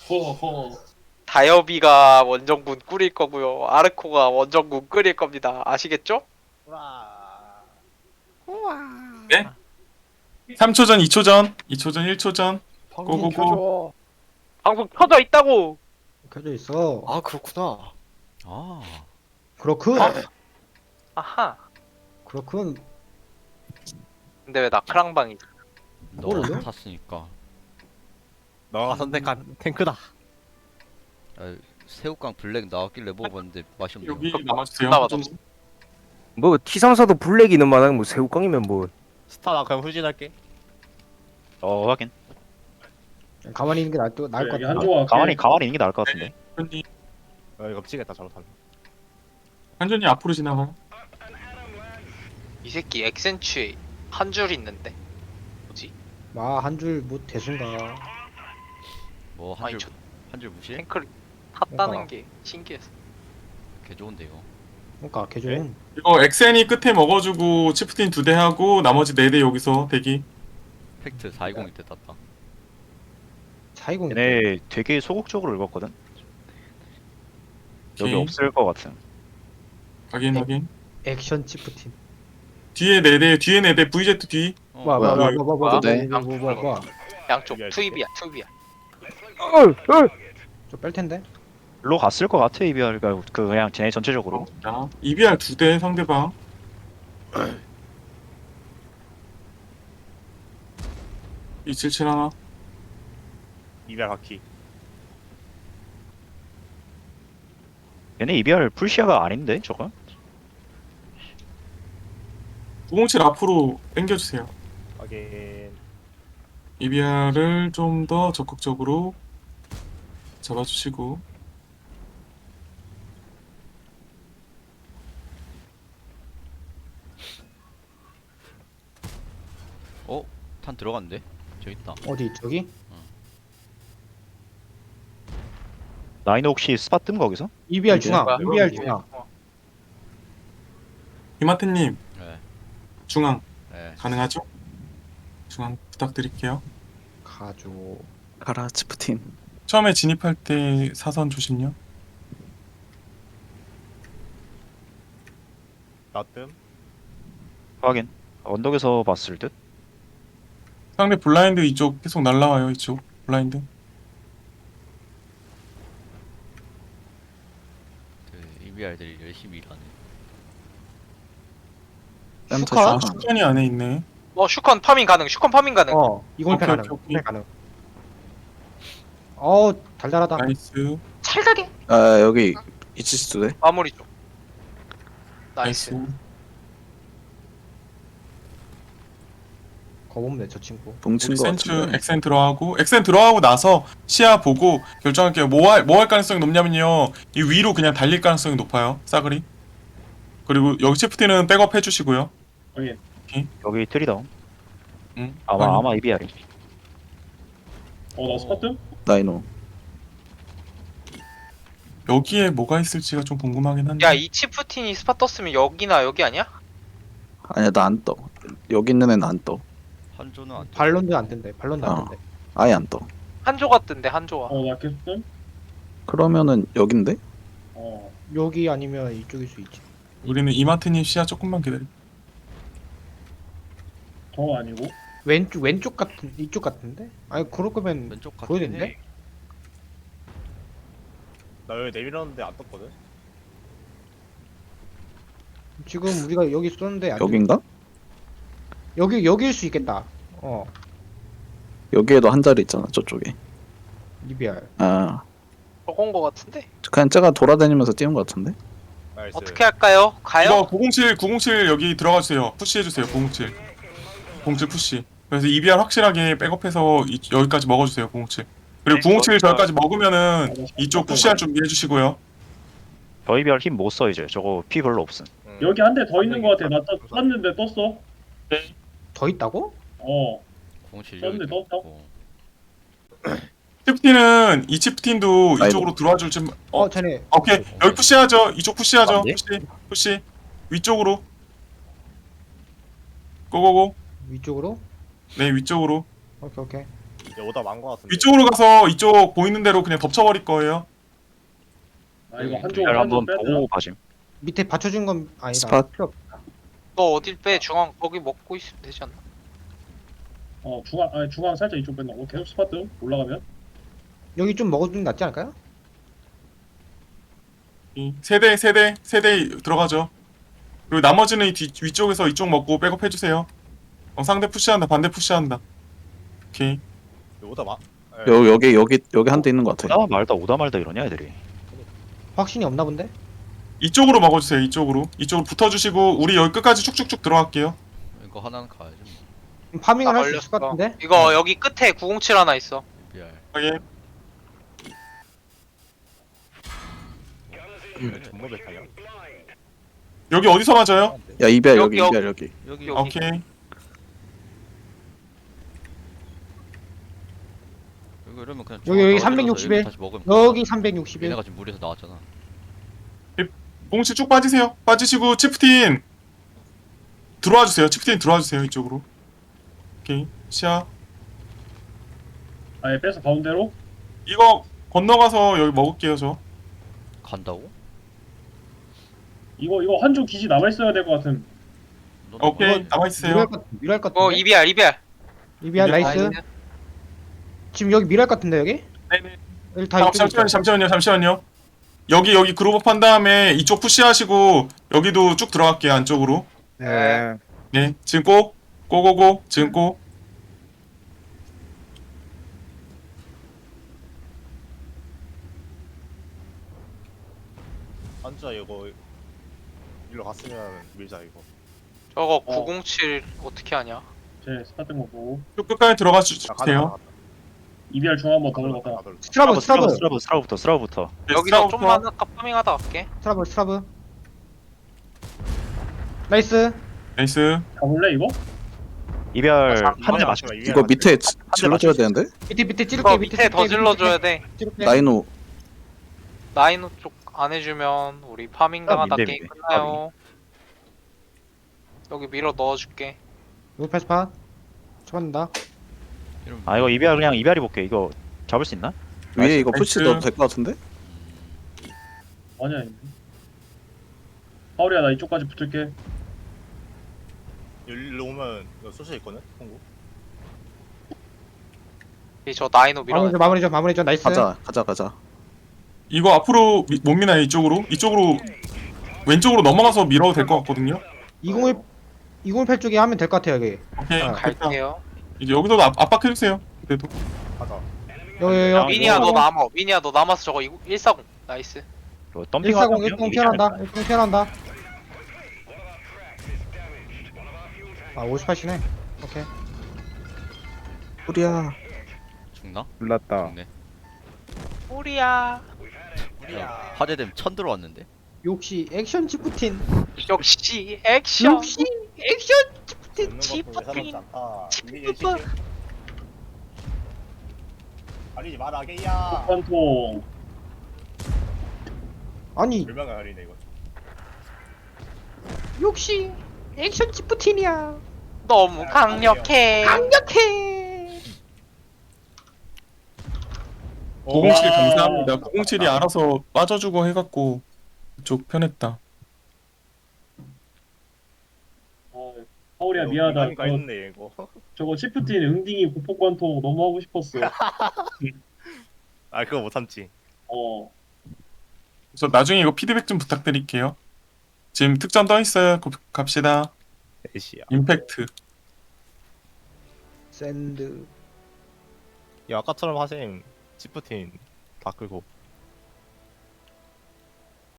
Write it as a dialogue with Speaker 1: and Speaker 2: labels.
Speaker 1: 호호.
Speaker 2: 다이어비가 원정군 꾸릴 거고요. 아르코가 원정군 꾸릴 겁니다. 아시겠죠?
Speaker 3: 우와.
Speaker 1: 네? 3초 전, 2초 전, 2초 전, 1초 전.
Speaker 3: 방금
Speaker 1: 고고고.
Speaker 3: 켜줘.
Speaker 2: 방송 켜져 있다고.
Speaker 3: 켜져 있어.
Speaker 4: 아 그렇구나.
Speaker 5: 아,
Speaker 3: 그렇군.
Speaker 2: 아하.
Speaker 3: 그렇군.
Speaker 2: 근데 왜 나 크랑방이지?
Speaker 5: 너가
Speaker 3: 뭐를요?
Speaker 5: 탔으니까.
Speaker 4: 너가 선택한 탱크다.
Speaker 5: 아, 새우깡 블랙 나왔길래 먹어봤는데 맛이 없네요.
Speaker 1: 여기 남아주세요.
Speaker 2: 나 맞아.
Speaker 6: 뭐 T3사도 블랙이 는 마당 뭐 새우깡이면 뭐
Speaker 4: 스타 나 그냥 후진할게.
Speaker 7: 확인.
Speaker 3: 가만히 있는 게 나을 것
Speaker 1: 여기
Speaker 3: 같아.
Speaker 1: 한조가
Speaker 7: 가만히 있는 게 나을 것 같은데.
Speaker 1: 한준이,
Speaker 4: 이거 미치겠다 잘못하면.
Speaker 1: 한준이 앞으로 지나가요.
Speaker 2: 이 새끼 엑센추에 한 줄 있는데. 뭐지?
Speaker 3: 한 줄 뭐 대순가.
Speaker 5: 뭐
Speaker 2: 아니
Speaker 5: 한
Speaker 2: 저
Speaker 5: 줄 무시해?
Speaker 2: 탱크를 탔다는
Speaker 3: 뭔가.
Speaker 2: 게 신기해서.
Speaker 5: 개 좋은데 이거.
Speaker 3: 그러니까 개좀.
Speaker 1: 이거 엑센이 끝에 먹어주고 치프틴 2대 하고 나머지 4대 여기서 대기.
Speaker 5: 팩트 420 때 땄다.
Speaker 3: 사이공.
Speaker 7: 얘네 되게 소극적으로 읽었거든. 여기
Speaker 1: 오케이.
Speaker 7: 없을 것 같음.
Speaker 1: 확인,
Speaker 3: 네.
Speaker 1: 확인.
Speaker 3: 액션 치프팀.
Speaker 1: 뒤에 4대, 뒤에 4대, VZ 뒤.
Speaker 5: 어,
Speaker 3: 뭐.
Speaker 2: 양쪽
Speaker 4: 이게
Speaker 2: 투입이야 투입이야.
Speaker 3: 저뺄 텐데.
Speaker 7: 로 갔을 것 같아 이비아르가 그냥 쟤네 전체적으로.
Speaker 1: 자, EBR 2대 상대방. 이77 하나.
Speaker 4: 이별 바퀴.
Speaker 7: 얘네 이비아르 풀시아가 아닌데 저거?
Speaker 1: 907 앞으로 당겨주세요.
Speaker 4: 확인.
Speaker 1: EBR을 좀 더 적극적으로 잡아주시고.
Speaker 5: 어? 탄 들어갔는데? 저기 있다.
Speaker 3: 어디 저기?
Speaker 7: 나이노 혹시 스팟 뜸 거기서?
Speaker 3: EBR 중앙.
Speaker 2: 뭐야?
Speaker 3: EBR 중앙.
Speaker 1: 이마트님,
Speaker 5: 네.
Speaker 1: 중앙
Speaker 5: 네.
Speaker 1: 가능하죠? 중앙 부탁드릴게요.
Speaker 3: 가죠.
Speaker 8: 가라 치프팀.
Speaker 1: 처음에 진입할 때 사선 조심요.
Speaker 4: 나뜸.
Speaker 7: 확인. 언덕에서 봤을 듯.
Speaker 1: 상대 블라인드 이쪽 계속 날라와요. 이쪽 블라인드.
Speaker 5: 그 EBR들이 열심히 일하네.
Speaker 1: 슈카? 슈칸이 안에 있네.
Speaker 2: 슈컨 파밍 가능. 슈컨 파밍 가능.
Speaker 3: 이공패
Speaker 1: 오케이,
Speaker 3: 가능.
Speaker 1: 오케이, 오케이.
Speaker 3: 이공패 가능. 달달하다.
Speaker 1: 나이스.
Speaker 2: 찰다게
Speaker 8: 아 여기 이치스도 돼?
Speaker 2: 마무리 좀. 나이스.
Speaker 1: 나이스.
Speaker 3: 겁없네 저 친구.
Speaker 8: 뭉친 거
Speaker 1: 엑센트,
Speaker 8: 같은데.
Speaker 1: 엑센 들어가고 나서 시야 보고 결정할게요. 뭐 할 가능성이 높냐면요. 이 위로 그냥 달릴 가능성이 높아요. 싸그리. 그리고 여기 치프티는 백업 해주시고요.
Speaker 7: 여기 트리다운.
Speaker 1: 응.
Speaker 7: 아마 이비아르.
Speaker 1: 나 스파트?
Speaker 8: 나이노.
Speaker 1: 여기에 뭐가 있을지가 좀 궁금하긴 한데.
Speaker 2: 야 이 치프틴이 스팟 떴으면 여기나 여기 아니야?
Speaker 8: 아니야 나 안 떠. 여기 있는 애는 안 떠.
Speaker 5: 한조는 안 돼.
Speaker 3: 발론도 안 된대. 발론도 안
Speaker 8: 어.
Speaker 3: 된대.
Speaker 8: 아예 안 떠.
Speaker 2: 한조가 뜬대 한조가.
Speaker 1: 나 계속 뜸?
Speaker 8: 그러면은 여긴데?
Speaker 3: 여기 아니면 이쪽일 수 있지.
Speaker 1: 우리는 이마트님 시야 조금만 기다려.
Speaker 9: 더 아니고?
Speaker 3: 왼쪽 같은 이쪽 같은데? 아니 그럴 거면
Speaker 5: 왼쪽 같은
Speaker 3: 보여야
Speaker 4: 나 여기 내밀었는데 안 떴거든.
Speaker 3: 지금 우리가 여기 쏘는데 안
Speaker 8: 여긴가?
Speaker 3: 여기일 수 있겠다.
Speaker 8: 여기에도 한 자리 있잖아 저쪽에.
Speaker 3: EBR.
Speaker 8: 아
Speaker 2: 저건 거 같은데.
Speaker 8: 그냥 제가 돌아다니면서 뛰는 거 같은데?
Speaker 4: 나이스.
Speaker 2: 어떻게 할까요? 가요?
Speaker 1: 이거 907 여기 들어가 주세요. 푸시 해주세요. 907. 907 푸시. 그래서 EBR 확실하게 백업해서 여기까지 먹어주세요. 907. 그리고 907 저기까지 먹으면은 이쪽 푸시할 준비해 주시고요.
Speaker 7: 저 이비아르 힘 못 써 이제. 저거 피 별로 없음.
Speaker 9: 여기 한 대 더 있는 거 같아. 나 떴는데 떴어.
Speaker 3: 더 있다고?
Speaker 5: 공실
Speaker 9: 떴네,
Speaker 5: 여기
Speaker 9: 떴다.
Speaker 5: 있고.
Speaker 1: 치프틴은 이 치프틴도
Speaker 8: 아이고.
Speaker 1: 이쪽으로 들어와 줄지.
Speaker 3: 쟤네
Speaker 1: 오케이. 여기 푸시하죠. 이쪽 푸시하죠.
Speaker 7: 안 돼?
Speaker 1: 푸시. 위쪽으로. 고고고.
Speaker 3: 위쪽으로?
Speaker 1: 네, 위쪽으로.
Speaker 3: 오케이.
Speaker 4: 오다 많거 같은데.
Speaker 1: 위쪽으로 가서 이쪽 보이는 대로 그냥 덮쳐버릴 거예요.
Speaker 9: 아 이거
Speaker 7: 이비알 한번
Speaker 9: 빼야 되나?
Speaker 7: 보고 봐심.
Speaker 3: 밑에 받쳐준 건 아니다.
Speaker 8: 스팟.
Speaker 3: 필요 없.
Speaker 2: 너 어딜 빼? 중앙 거기 먹고 있으면 되지 않나?
Speaker 9: 중앙 살짝 이쪽 뺀다고 계속 스파트 올라가면
Speaker 3: 여기 좀 먹어주는 게 낫지 않을까요?
Speaker 1: 이 세대 들어가죠. 그리고 나머지는 위쪽에서 이쪽 먹고 백업 해주세요. 상대 푸시한다, 반대 푸시한다. 오케이.
Speaker 4: 오다 많.
Speaker 8: 여기 한 대 있는 것 같아.
Speaker 7: 오다 말다 이러냐 애들이.
Speaker 3: 확신이 없나 본데?
Speaker 1: 이쪽으로 먹어주세요. 이쪽으로 붙어주시고 우리 여기 끝까지 쭉쭉쭉 들어갈게요.
Speaker 5: 이거 하나는 가야지 뭐.
Speaker 3: 파밍을
Speaker 2: 나
Speaker 3: 할 수 있을 것 같은데?
Speaker 2: 이거 여기 끝에 907 하나 있어.
Speaker 5: 이비알.
Speaker 1: 확인.
Speaker 4: 전부 백하냐?
Speaker 1: 여기 어디서 맞아요?
Speaker 8: 야 이별 여기
Speaker 2: 여기,
Speaker 8: 이별 여기.
Speaker 5: 여기
Speaker 2: 여기.
Speaker 1: 오케이.
Speaker 5: 이거 이러면 그냥
Speaker 3: 여기
Speaker 5: 중앙 떨어져서
Speaker 3: 360에
Speaker 5: 여기 다시 먹으면
Speaker 3: 여기
Speaker 5: 되잖아.
Speaker 3: 361.
Speaker 5: 얘네가 지금 물에서 나왔잖아.
Speaker 1: 봉치 쭉 빠지세요. 빠지시고 치프틴 들어와 주세요. 치프틴 들어와 주세요. 이쪽으로. 오케이. 시야.
Speaker 9: 아예 빼서 가운데로
Speaker 1: 이거 건너가서 여기 먹을게요. 저.
Speaker 5: 간다고?
Speaker 9: 이거 한쪽 기지 남아 있어야 될 것 같은.
Speaker 5: 너
Speaker 1: 오케이. 남아 있으세요.
Speaker 3: 미랄 것 같은데?
Speaker 2: 이비알.
Speaker 3: 이비알 나이스. 지금 여기 미랄 것 같은데 여기?
Speaker 1: 네네.
Speaker 3: 여기 다 이쪽에 있어.
Speaker 1: 잠시만요. 여기 그룹업 한 다음에 이쪽 푸시하시고 여기도 쭉 들어갈게요. 안쪽으로.
Speaker 2: 네.
Speaker 1: 네. 지금 고고고. 지금 고.
Speaker 4: 한자 이거 일로 갔으면 밀자 이거.
Speaker 2: 저거 907 어떻게 하냐?
Speaker 9: 제 스파트 거 보고
Speaker 1: 쭉 끝까지 들어가
Speaker 4: 야,
Speaker 1: 주세요.
Speaker 9: EBR 중 한번 더 올라갔다.
Speaker 7: 스라브부터.
Speaker 1: 네,
Speaker 2: 여기서
Speaker 1: 스타부터.
Speaker 2: 좀만 아까 파밍하다 갈게.
Speaker 3: 스트라브. 나이스.
Speaker 1: 나이스.
Speaker 9: 가볼래 이거?
Speaker 7: 이별
Speaker 2: 아,
Speaker 7: 한대
Speaker 4: 아니야,
Speaker 7: 맞추.
Speaker 4: 아니야,
Speaker 8: 이거 밑에 질러줘야
Speaker 7: 맞췄어.
Speaker 8: 되는데?
Speaker 3: 밑에 찌를게.
Speaker 2: 이거 밑에 더 질러줘야 돼.
Speaker 3: 찌를게.
Speaker 8: 라이노
Speaker 2: 나인호 쪽 안 해주면 우리 파밍 당하다
Speaker 7: 민대,
Speaker 2: 게임
Speaker 7: 민대.
Speaker 2: 끝나요. 여기 밀어 넣어줄게.
Speaker 3: 여기 패스팟. 쳐간다.
Speaker 5: 이러면
Speaker 7: 아 이거 이별 그냥 이별이 볼게. 이거 잡을 수 있나?
Speaker 8: 위에 이거
Speaker 1: 나이스.
Speaker 8: 푸시 넣어도 될 것 같은데?
Speaker 9: 아니야. 파울이야 나 이쪽까지 붙을게.
Speaker 4: 일로 오면 이거 소시 있거든. 홍구.
Speaker 2: 저 나인호 밀어.
Speaker 3: 마무리죠. 나이스.
Speaker 8: 가자.
Speaker 1: 이거 앞으로 못 미나요? 이쪽으로 왼쪽으로 넘어가서 밀어도 될 것 같거든요.
Speaker 3: 2018 쪽에 하면 될 것 같아요 여기.
Speaker 1: 오케이.
Speaker 3: 아,
Speaker 1: 됐다.
Speaker 2: 갈게요.
Speaker 1: 이제 여기서도 압박해 주세요. 그래도.
Speaker 4: 가자.
Speaker 3: 여기.
Speaker 2: 미니야 너 남아. 미니야 너 남아서 저거 140. 나이스.
Speaker 7: 이거 덤핑
Speaker 3: 140 1동 피어난다. 아 58이네. 오케이.
Speaker 8: 우리야.
Speaker 5: 죽나?
Speaker 6: 몰랐다.
Speaker 5: 죽네.
Speaker 2: 우리야.
Speaker 5: 화재됨 1000 들어왔는데.
Speaker 3: 역시 액션 지푸틴.
Speaker 2: 역시 액션.
Speaker 3: 역시 액션
Speaker 4: 웃는
Speaker 2: 지푸틴.
Speaker 4: 것도 예사롭지 않다. 이게
Speaker 2: 지푸틴.
Speaker 4: 가리지 마라 게이야.
Speaker 9: 관통.
Speaker 3: 아니
Speaker 4: 불명가 가리네 이거.
Speaker 3: 역시 액션 지푸틴이야.
Speaker 2: 너무 강력해.
Speaker 3: 강력해.
Speaker 1: 907 감사합니다. 907이 알아서 빠져주고 해갖고 그쪽 편했다.
Speaker 9: 파울이야 미안하다.
Speaker 4: 가 있네 이거.
Speaker 9: 저거 치프틴 응딩이 보폭 관통 너무 하고 싶었어.
Speaker 4: 아 그거 못 참지.
Speaker 1: 그래서 나중에 이거 피드백 좀 부탁드릴게요. 지금 특전 떠 있어요. 갑시다.
Speaker 4: 에이씨야.
Speaker 1: 임팩트.
Speaker 3: 샌드.
Speaker 4: 야 아까처럼 하셈. 치프틴 다 끌고.